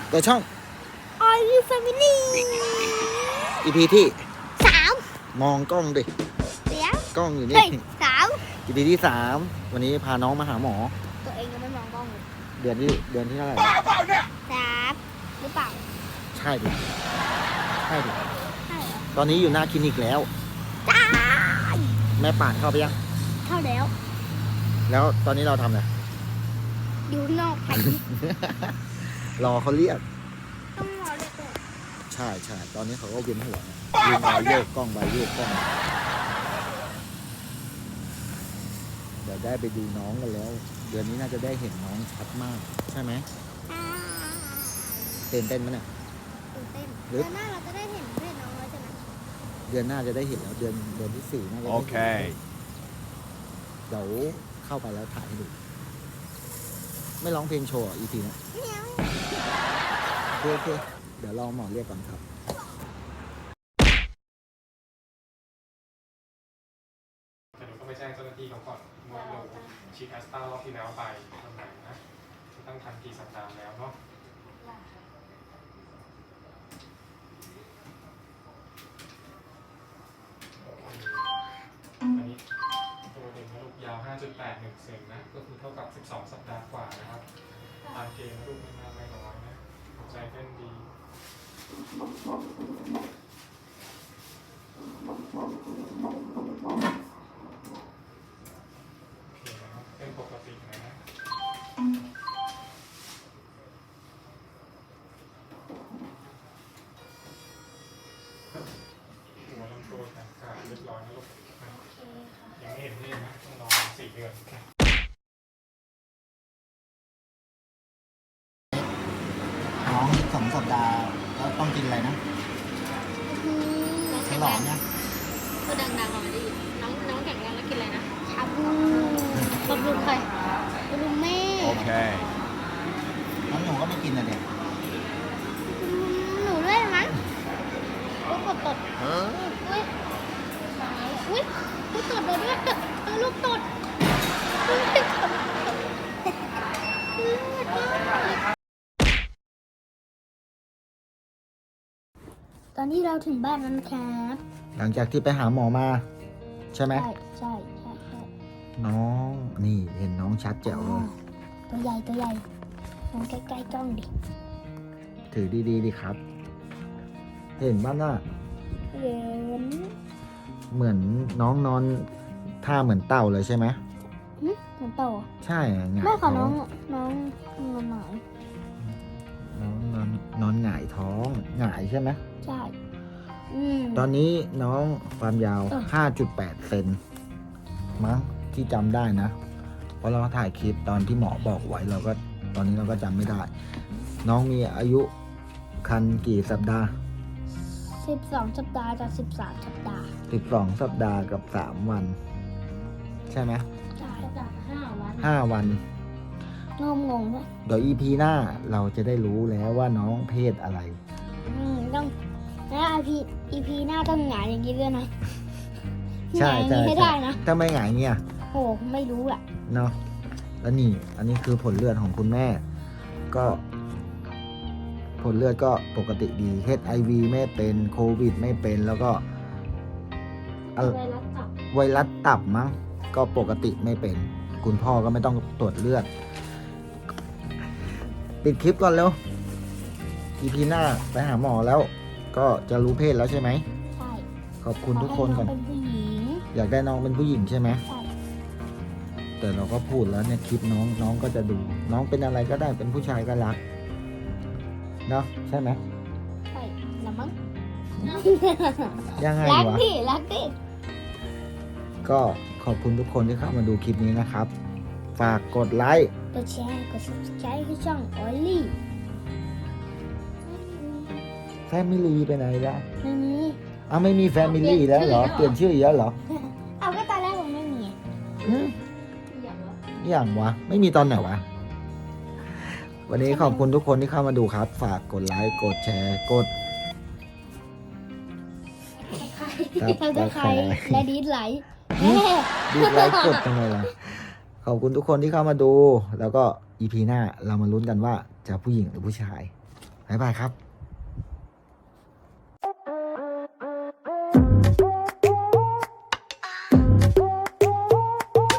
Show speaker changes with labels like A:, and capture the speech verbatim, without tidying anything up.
A: ตัวช่อง
B: Are you family
A: อี พี ที่
B: สาม
A: มองกล้องดิ
B: เสียง
A: กล้องอยู่นี่
B: เฮ้ยสาม
A: อี พี ที่สามวันนี้พาน้องมาหาหมอ
B: ตัวเองยังไม่มองกล้องเลย
A: เดือนที่เดือนที่เท่าไหร่
B: สามหรือเปล่า
A: ใช่ดิใช่ดิ
B: ใช่เหรอ
A: ตอนนี้อยู่หน้าคลินิกแล้ว
B: จ้า
A: แม่ป่านเข้าไปยัง
B: เข้าแล้ว
A: แล้วตอนนี้เราทำอะไร
B: อยู่นอกไป
A: รอเขาเรียก
B: ต้องรอเด็กก่อน
A: ใช่ใช่ตอนนี้เขาก็เวียนหัวเนี่ยยืนรอโยกกล้องไปโยกกล้องมาเดี๋ยวได้ไปดูน้องกันแล้ว เดือนนี้น่าจะได้เห็นน้องชัดมาก ใช่ไหม
B: อ่า
A: ตื่นเต้นไหมเนี่ย
B: ตื่นเต้น
A: หรือ
B: เดือนหน้าเราจะได้เห็นเพศน้องแล้วใช่ไหม
A: เดือนหน้าจะได้เห็นแล้วเดือนเดือนที่สี่น่าจะได้เห็น
C: Okay.
A: เดี๋ยวเข้าไปแล้วถ่ายให้ดู ไม่ร้องเพลงโชว์อีพีนะ
B: เมียว
A: โอเคโอเคเดี๋ยวรอหมอเรียกก่อนครับ
D: แต่หนูต้องไปแจ้งเจ้าหน้าที่เขาก่อนว่าเราฉีดแอสตรารอบที่แล้วไปตอนไหนนะตั้งทันกี่สัปดาห์แล้วเนาะอันนี้ตัวเด็กนะลูกยาว ห้าจุดแปดหนึ่ง เซนนะ ก็คือเท่ากับ สิบสอง สัปดาห์กว่านะครับทานเกณฑ์นะลูกไม่มากไม่น้อยนะหัวใจเต้นดีโอเคนะครับเป็นปกตินะหัวลำตัวแขนขาเรียบร้อยนะลูกนะยังไม่เห็นนี่นะต้องรอสี่เดือนนะ
A: น้องสองสัปดาห์แล้วต้องกินอะไรนะฉลองเนี่ย
E: พูดดังๆหน่อยดิน้องน้องแข็งแรงแล้วกินอะไรนะ
B: ชาบูบำรุงใครบำรุงแม่
C: Okay.
A: น้องหนูก็ไม่กินนะเด็ก
B: หนูด้วยมั้งลูกกดตดอุ้ยอุ้ยลูกตดโดนด้วยเออลูกตดอุ๊ยตอนนี้เราถึงบ้านแล้วนะครับ
A: หลังจากที่ไปหาหมอมา ใช่ไหม
B: ใช่ใช่ใช่ใช่
A: น้องนี่เห็นน้องชัดแจ๋วเลย
B: ตัวใหญ่ตัวใหญ่มองใกล้ๆกล้องดิ
A: ถือดีๆดิครับ เห็นบ้างน่ะ
B: เห็น
A: เหมือนน้องนอนท่าเหมือนเต่าเลยใช่ไหม
B: หึเหมือนโต
A: ใช่หงาย
B: แม่ขอน้อง
A: ท้
B: น้องนอนหน่อย
A: น้องนอนนอนหงายท้องหงายใช่ไหม
B: ใช่อืม
A: ตอนนี้น้องความยาว
B: เออ
A: ห้าจุดแปด เซนมั้งที่จำได้นะ เพราะเราถ่ายคลิปตอนที่หมอบอกไว้เราก็ตอนนี้เราก็จำไม่ได้ น้องมีอายุคันกี่สัปดาห์
B: สิบสองสัปดาห์จากสิบสามสัปดาห์
A: สิบสองสัปดาห์กับสามวัน ใช่ไหม
B: ใช่
E: จากห้าวัน
A: ห้าวัน
B: งงงงๆด้วย
A: เดี๋ยว อี พี หน้าเราจะได้รู้แล้วว่าน้องเพศอะไร
B: อืมต้องแล้วอีพีอีพีหน้าต้องหงายอย่างนี้ด้วยนะ
A: ใช่
B: หงายอย่าง
A: ใช่
B: นี้ให้
A: ใช่
B: ได้นะ
A: ถ้าไม่หงายเนี่ย
B: โอ้ไม่รู้อ่ะ
A: เนาะแล้วนี่ อันนี้คือผลเลือดของคุณแม่ ก็ ผลเลือดก็ปกติดี เอช ไอ วี ไม่เป็นโควิดไม่เป็นแล้วก็อะ
E: ไวรัสตับ
A: ไวรัสตับมั้งก็ปกติไม่เป็น คุณพ่อก็ไม่ต้องตรวจเลือด ปิดคลิปก่อนเร็ว อี พี หน้าไปหาหมอแล้ว ก็จะรู้เพศแล้วใช่ไหม
B: ใช่
A: ขอบคุณทุกคนก่อน
B: ขให้งเป็นผู้หญิง
A: อยากได้น้องเป็นผู้หญิงใช่ไหม
B: ใช่
A: แต่เราก็พูดแล้วเนี่ยคลิปน้องน้องก็จะดู น้องเป็นอะไรก็ได้เป็นผู้ชายก็รักเนาะใช่ไหม
B: ใช่ละมั้ง
A: ยังไง
B: รัก
A: วะ
B: ดิรักดิ
A: ก็ขอบคุณทุกคนที่เข้ามาดูคลิปนี้นะครับ ฝากกดไลค์
B: กดแชร์กด subscribe ให้ช่องออลลี่
A: แฟมิลี่ไปไหนละ
B: ไม่มี
A: อ้าวไม่มีแฟมิลี่แล้วเหรอ เปลี่ยนชื่ออีกแล้วเหรอ
B: เอาก็ตอนแรกผมไม่มี
A: หืม
E: อย่างวะ
A: อย่างวะ ไม่มีตอนไหนวะ วันนี้ขอบคุณทุกคนที่เข้ามาดูครับ ฝากกดไลค์ กดแชร์ กด ครับ
B: เราจะใครและดีดไลค์
A: ดีไลค์กดยังไงล่ะ ขอบคุณทุกคนที่เข้ามาดู แล้วก็ อี พี หน้าเรามาลุ้นกันว่าจะผู้หญิงหรือผู้ชายบ๊ายบายครับ